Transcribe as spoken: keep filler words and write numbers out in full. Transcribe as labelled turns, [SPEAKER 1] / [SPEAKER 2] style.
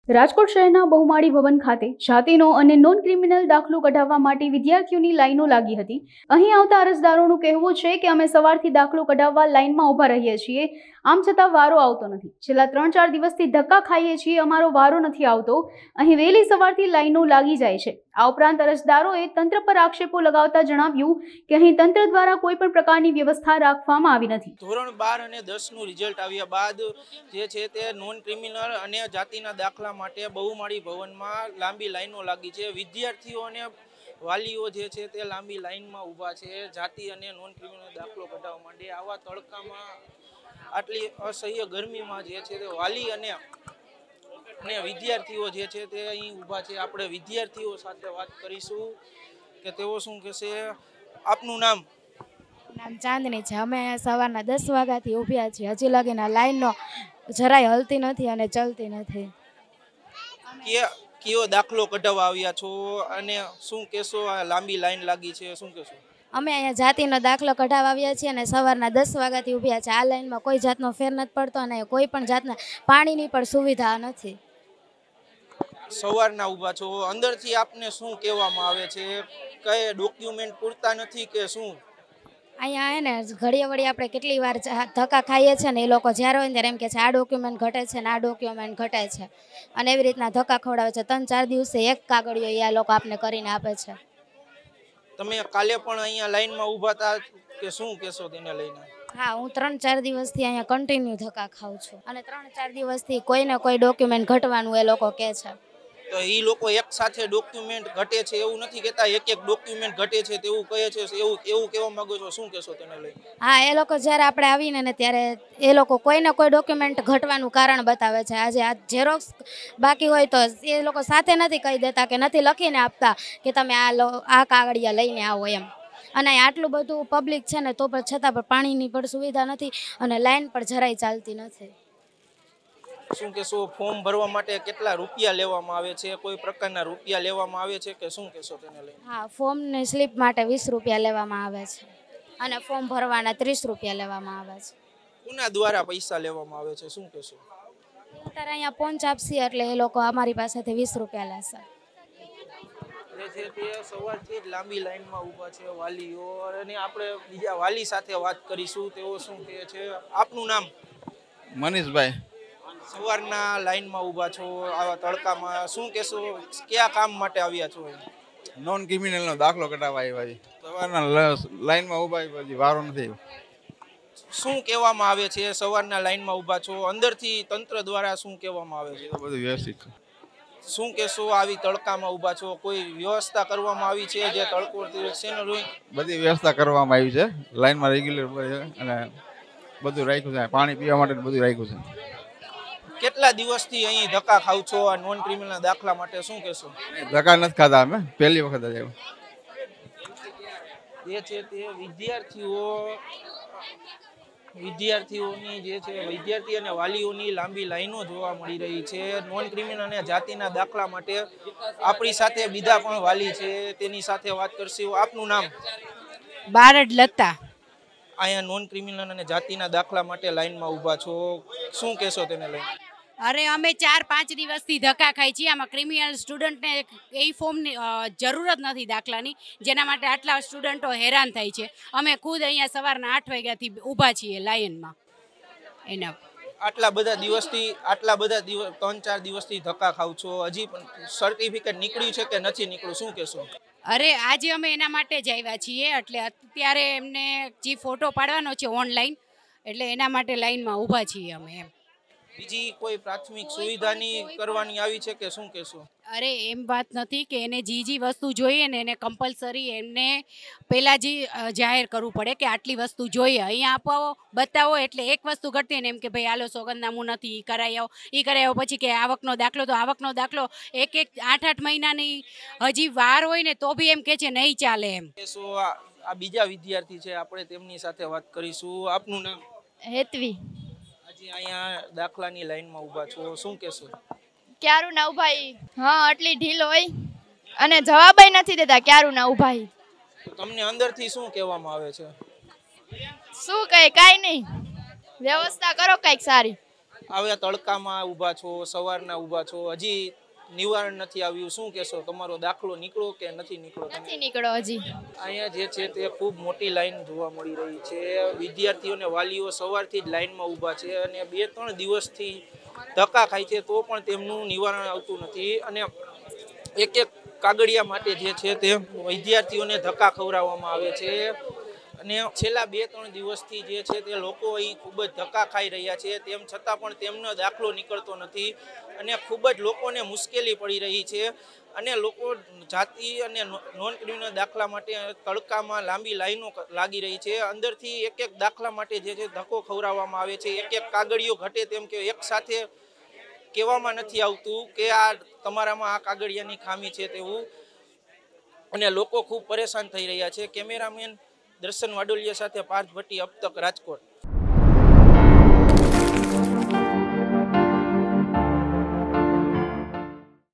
[SPEAKER 1] રાજકોટ શહેરના બહુમાળી ભવન ખાતે જાતિનો અને નોન ક્રિમિનલ દાખલો કઢાવવા માટે વિદ્યાર્થીઓની લાઈનો લાગી હતી। અહીં આવતા અરજદારોનું કહેવું છે કે અમે સવારથી દાખલો કઢાવવા લાઈનમાં ઊભા રહીએ છીએ, આમ છતાં વારો આવતો નથી। છેલ્લા ત્રણ ચાર દિવસથી ધક્કા ખાઈએ છીએ, અમારો વારો નથી આવતો। અહીં વહેલી સવારથી લાઈનો લાગી જાય છે। આ ઉપરાંત અરજદારોએ તંત્ર પર આક્ષેપો લગાવતા જણાવ્યું કે અહીં તંત્ર દ્વારા કોઈ પણ પ્રકારની વ્યવસ્થા રાખવામાં આવી નથી।
[SPEAKER 2] ધોરણ બાર અને દસ નું રિઝલ્ટ આવ્યા બાદ જે છે તે નોન ક્રિમિનલ અને જાતિના દાખલા માટે બહુમાળી ભવનમાં લાંબી લાઈનો લાગી છે। વિદ્યાર્થીઓ અને વાલીઓ જે છે તે લાંબી લાઈનમાં ઊભા છે જાતિ અને નોન ક્રિમિનલ દાખલો કઢાવવા માટે। આવા તડકામાં આટલી અસહ્ય ગરમીમાં જે છે તે વાલી અને અને વિદ્યાર્થીઓ જે છે તે અહીં ઊભા છે। આપણે વિદ્યાર્થીઓ સાથે વાત કરીશું કે તેઓ શું કહેશે। આપનું નામ?
[SPEAKER 3] નામ ચાંદની છે। અમે સવારના દસ વાગ્યાથી ઊભ્યા છીએ, હજી લગીના લાઈનનો જરાય હલતી નથી અને ચલતી નથી।
[SPEAKER 2] કયો દાખલો કઢાવવા આવ્યા છો અને શું કહેશો? આ લાંબી લાઈન લાગી છે, શું કહેશો?
[SPEAKER 3] અમે અહીંયા જાતિનો દાખલો કઢાવવા આવ્યા છીએ અને સવારના દસ વાગ્યાથી ઊભ્યા છે। આ લાઈનમાં કોઈ જાતનો ફેર નથી પડતો અને કોઈ પણ જાતના પાણીની પણ સુવિધા નથી।
[SPEAKER 2] સવારના ઊભા છો, અંદરથી આપને શું કહેવામાં આવે છે? કઈ ડોક્યુમેન્ટ પૂરતા નથી કે શું?
[SPEAKER 3] અહીંયા હે ને ઘડીએ વળી આપણે કેટલી વાર ધક્કા ખાઈએ છીએ ને એ લોકો જ્યારે હોય ને ત્યારે એમ કે છે આ ડોક્યુમેન્ટ ઘટે છે ને આ ડોક્યુમેન્ટ ઘટે છે અને એવી રીતના ધક્કા ખવડાવે છે। ત્રણ ચાર દિવસે એક કાગળિયો એ આ લોકો આપને કરીને આપે છે।
[SPEAKER 2] તમે કાલે પણ અહીંયા લાઈનમાં ઊભા હતા કે શું કહેશો તેને લઈને?
[SPEAKER 3] હા, હું ત્રણ ચાર દિવસથી અહીંયા કન્ટિન્યુ ધક્કા ખાઉં છું અને ત્રણ ચાર દિવસથી કોઈને કોઈ ડોક્યુમેન્ટ ઘટવાનું એ લોકો કહે છે।
[SPEAKER 2] તો એ લોકો એક સાથે ડોક્યુમેન્ટ ઘટે છે એવું નથી કહેતા, એક એક ડોક્યુમેન્ટ ઘટે છે તેવું કહે છે, એવું એવું કહેવા માંગો છો, શું કહેશો તેને લઈને?
[SPEAKER 3] હા, એ લોકો જ્યારે આપણે આવીને ને ત્યારે એ લોકો કોઈને કોઈ ડોક્યુમેન્ટ ઘટવાનું કારણ બતાવે છે। આજે આ ઝેરોક્સ બાકી હોય તો એ લોકો સાથે નથી કહી દેતા કે નથી લખીને આપતા કે તમે આ લો આ કાગળિયા લઈને આવો એમ। અને આટલું બધું પબ્લિક છે ને તો પણ છતાં પણ પાણીની પણ સુવિધા નથી અને લાઈન પણ જરાય ચાલતી નથી।
[SPEAKER 2] શું કહેશો? ફોર્મ ભરવા માટે કેટલા રૂપિયા લેવામાં આવે છે? કોઈ પ્રકારના રૂપિયા લેવામાં આવે છે કે શું કહેશો તેને લઈને?
[SPEAKER 3] હા, ફોર્મની સ્લીપ માટે વીસ રૂપિયા લેવામાં આવે છે અને ફોર્મ ભરવાના ત્રીસ રૂપિયા લેવામાં આવે છે।
[SPEAKER 2] કોના દ્વારા પૈસા લેવામાં આવે છે, શું કહેશો?
[SPEAKER 3] અત્યારે અહીંયા પહોંચ આપશી એટલે એ લોકો અમારી પાસેથી વીસ રૂપિયા લેશે।
[SPEAKER 2] જે છે તે સવારથી જ લાંબી લાઈનમાં ઊભા છે વાલીઓ, અને આપણે બીજા વાલી સાથે વાત કરીશું, તેઓ શું કહે છે। આપનું નામ?
[SPEAKER 4] મનીષભાઈ।
[SPEAKER 2] સવારના લાઈનમાં ઊભા છો આવા તડકામાં, શું કહેશો? કયા કામ માટે આવ્યા છો?
[SPEAKER 4] નોન ક્રિમિનલનો દાખલો કઢાવવા આવ્યા છે। સવારના લાઈનમાં ઊભા પછી વારો નથી।
[SPEAKER 2] શું કહેવામાં આવે છે? સવારના લાઈનમાં ઊભા છો, અંદરથી તંત્ર દ્વારા શું કહેવામાં આવે છે?
[SPEAKER 4] બધું વ્યવસ્થિત છે।
[SPEAKER 2] શું કહેશો? આવી તડકામાં ઊભા છો, કોઈ વ્યવસ્થા કરવામાં આવી છે? જે તડકો
[SPEAKER 4] બધી વ્યવસ્થા કરવામાં આવી છે, લાઈનમાં રેગ્યુલર અને બધું રાખ્યું છે, પાણી પીવા માટે બધું રાખ્યું છે।
[SPEAKER 2] કેટલા દિવસથી અહીં ધક્કા ખાવ છો આ નોન ક્રિમિનલ દાખલા માટે, શું કહેશો?
[SPEAKER 4] ધક્કા નથી ખાધા, અમે પહેલી વખત જ આવ્યા।
[SPEAKER 2] જે છે તે વિદ્યાર્થીઓ વિદ્યાર્થીઓની જે છે વિદ્યાર્થી અને વાલીઓની લાંબી લાઈનો જોવા મળી રહી છે નોન ક્રિમિનલ અને જાતિના દાખલા માટે। આપણી સાથે બીજા પણ વાલી છે, તેની સાથે વાત કરશું। આપનું નામ?
[SPEAKER 5] બારડ લતા।
[SPEAKER 2] અહીંયા નોન ક્રિમિનલ અને જાતિના દાખલા માટે લાઈનમાં ઊભા છો, શું કહેશો તેને લઈને?
[SPEAKER 5] અરે અમે ચાર પાંચ દિવસથી ધક્કા ખાઈ છીએ। આમાં ક્રિમિનલ સ્ટુડન્ટને એ ફોર્મની જરૂર જ નથી દાખલાની, જેના માટે આટલા સ્ટુડન્ટો હેરાન થાય છે। અમે ખુદ અહીંયા સવારના આઠ વાગ્યાથી ઊભા છીએ લાઈનમાં એના।
[SPEAKER 2] આટલા બધા દિવસથી આટલા બધા દિવસ ત્રણ ચાર દિવસથી ધક્કા ખાવ છો, હજી પણ સર્ટિફિકેટ નીકળ્યું છે કે નથી નીકળ્યું, શું કહેશો?
[SPEAKER 5] અરે આજે અમે એના માટે જ આવ્યા છીએ, એટલે અત્યારે એમને જે ફોટો પાડવાનો છે ઓનલાઈન, એટલે એના માટે લાઈનમાં ઊભા છીએ અમે એમ।
[SPEAKER 2] બીજી કોઈ પ્રાથમિક સુવિધાની કરવાની આવી છે કે શું કહેશો?
[SPEAKER 5] અરે એમ વાત નથી કે એને જે જે વસ્તુ જોઈએ ને એને કમ્પલસરી એમને પહેલાં જે જાહેર કરવું પડે કે આટલી વસ્તુ જોઈએ, અહીંયા આપો બતાવો એટલે એક વસ્તુ ઘટતી ને એમ કે ભાઈ હાલો સોગંદનામું નથી એ કરાવી આવો, એ કરાવી આવો, પછી કે આવકનો દાખલો, તો આવકનો દાખલો એક એક આઠ આઠ મહિનાની હજી વાર હોય ને તો બી એમ કે છે નહીં ચાલે એમ।
[SPEAKER 2] શું આ બીજા વિદ્યાર્થી છે, આપણે તેમની સાથે વાત કરીશું। આપનું નામ?
[SPEAKER 6] હેતવી।
[SPEAKER 2] અહીંયા દાખલાની લાઈનમાં ઊભા છો, શું કહેશો?
[SPEAKER 6] ક્યારું ના ઉભાઈ? હા, આટલી ઢીલ હોય અને જવાબય નથી દેતા ક્યારું ના ઉભાઈ।
[SPEAKER 2] તમને અંદરથી શું કહેવામાં આવે છે?
[SPEAKER 6] શું કહે? કાંઈ નહીં, વ્યવસ્થા કરો કંઈક સારી।
[SPEAKER 2] આવ્યા તડકામાં ઊભા છો, સવારના ઊભા છો, હજી નિવારણ નથી આવ્યું, શું કહેશો? તમારો દાખલો નીકળો કે નથી નીકળો?
[SPEAKER 6] નથી નીકળો હજી.
[SPEAKER 2] અહીંયા જે છે તે ખૂબ મોટી લાઈન જોવા મળી રહી છે. વિદ્યાર્થીઓ અને વાલીઓ સવારથી જ લાઈનમાં ઊભા છે અને બે ત્રણ દિવસથી ધક્કા ખાય છે તો પણ તેમનું નિવારણ આવતું નથી. અને એક એક કાગળિયા માટે જે છે તે વિદ્યાર્થીઓને ધક્કા ખવડાવવામાં આવે છે. અને છેલ્લા બે ત્રણ દિવસથી જે છે તે લોકો અહીં ખૂબ જ ધક્કા ખાઈ રહ્યા છે, તેમ છતાં પણ તેમનો દાખલો નીકળતો નથી અને ખૂબ જ લોકોને મુશ્કેલી પડી રહી છે. અને લોકો જાતિ અને નોન ક્રિમિનલ દાખલા માટે તડકામાં લાંબી લાઈનો લાગી રહી છે. અંદરથી એક એક દાખલા માટે જે છે ધક્કો ખવડાવવામાં આવે છે. એક એક કાગળિયો ઘટે તેમ કે એક સાથે કહેવામાં નથી આવતું કે આ તમારામાં આ કાગળિયાની ખામી છે તેવું. અને લોકો ખૂબ પરેશાન થઈ રહ્યા છે. કેમેરામેન દર્શન વાડોલિયા સાથે પાર્થ ભટ્ટી, અબ તક, રાજકોટ.